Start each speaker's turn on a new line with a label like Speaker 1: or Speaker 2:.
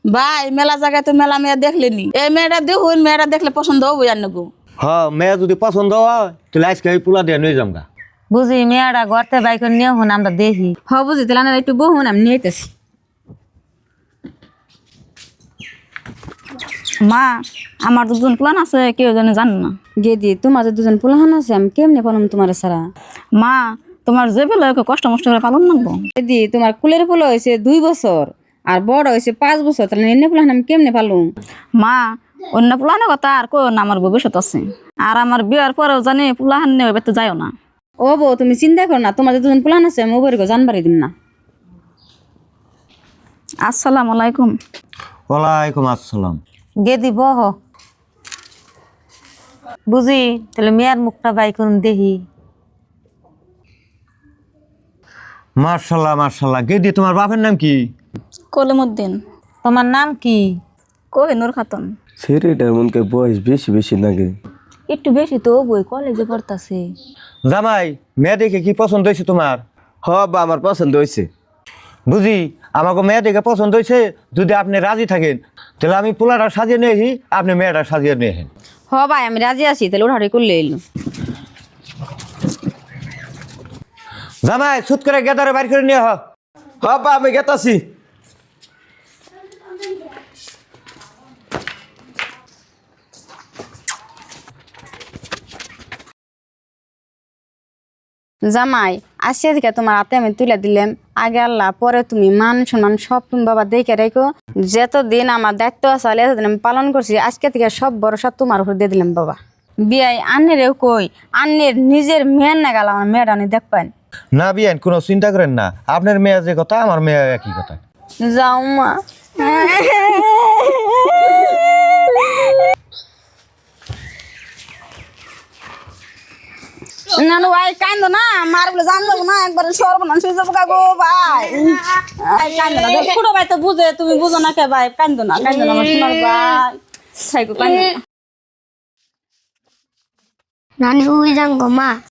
Speaker 1: ভাই মেলা জায়গায় তো মেলা মেয়ে দেখলেনি, এই মেয়েটা দেখুন, মেয়েটা দেখলে পছন্দ হবো আর নাকো।
Speaker 2: হ্যাঁ মেয়ে যদি পছন্দ হয় তাহলে আজকে এই পোলা দিয়ে নিয়ে যামগা।
Speaker 3: বুঝি মেয়েরা ঘরতে বাইক নিয়ে হন আমরা দেখি।
Speaker 4: বুঝি তাহলে না একটু বহুন আমি নিয়েতেছি।
Speaker 1: মা আমার তো দুজন প্ল্যান আছে, কেউ যেন জানে না।
Speaker 4: গেদি তোমার যে দুজন পোলাহান আছে আমি কেমনে পালাম তোমার ছাড়া?
Speaker 1: মা তোমার যে বেলা কষ্ট মষ্ট করে পালন লাগবো।
Speaker 4: গেদি তোমার কুলের পোলা হয়েছে 2 বছর আর বড় হয়েছে 5 বছর, তাহলে এনে পোলাহান আমি কেমনে পালুম?
Speaker 1: মা অন্য প্লানের কথা আর কো না, আমার ভবিষ্যৎ আছে। আর আমার বিয়ার পরেও জানি পোলাহান নিয়ে বেতে যাইও না।
Speaker 4: ও বউ তুমি চিন্তা করো না, তোমার যে দুজন পোলাহান আছে আমি ওপরে জানবারই দিম না।
Speaker 1: আসসালামু আলাইকুম।
Speaker 2: ওয়ালাইকুম আসসালাম।
Speaker 3: গেদি বহ। বুঝি তাহলে মেয়ের মুখটা বাইক দেখি।
Speaker 2: মার্শাল্লাহ মার্শাল্লাহ। গেদি তোমার বাপের নাম কি?
Speaker 1: কলিমুদ্দিন।
Speaker 3: তোমার নাম কি?
Speaker 1: কোহিনুর খাতুন।
Speaker 5: ছেলেটার মনকে বয়স বেশি বেশি লাগে।
Speaker 3: একটু বেশি তো বই কলেজে পড়তাছে।
Speaker 2: জামাই মেয়ে দেখে কি পছন্দ হয়েছে তোমার?
Speaker 5: হ বা আমার পছন্দ হয়েছে।
Speaker 2: বুঝি আমাকে মেয়ে দেখে পছন্দ হয়েছে, যদি আপনি রাজি থাকেন তাহলে আমি পোলাটা সাজিয়ে নিয়ে আসি, আপনি মেয়েটা সাজিয়ে নিয়ে আসেন।
Speaker 4: ভাই আমি রাজি আছি, তাহলে ওঠাড়ি করলে এলো।
Speaker 2: জামাই সুত করে গেদারে বাইর করে নিয়ে হ।
Speaker 5: হ বা আমি গেতাছি।
Speaker 4: জামাই আসিয়া থেকে তোমার হাতে আমি তুলে দিলাম, আগে আল্লাহ পরে তুমি, মান সম্মান সব তুমি বাবা দেখে রেখো। যতদিন আমার দায়িত্ব আছে এতদিন আমি পালন করছি, আজকে থেকে সব ভরসা তোমার উপর দিয়ে দিলাম বাবা। বিয়াই আন্নেরেও কই, আন্নের নিজের মেয়ের না গেল আমার মেয়েটা আমি দেখবেন।
Speaker 2: না বিয়েন কোনো চিন্তা করেন না, আপনার মেয়ে যে কথা আমার মেয়ে একই কথা।
Speaker 4: যাও মা।
Speaker 1: না না ভাই কান্দো না, মার বলে জান যাবো না, একবার সর্বনাশ হয়ে যাবো গো ভাই। কান্দো না, ছোট ভাই তো বুঝে, তুমি বুঝো না কে ভাই? কান্দো না কান্দো না আমার সোনার ভাই, থাইকো কান্দো না।
Speaker 6: নানি ওই যাঙ্গো মা।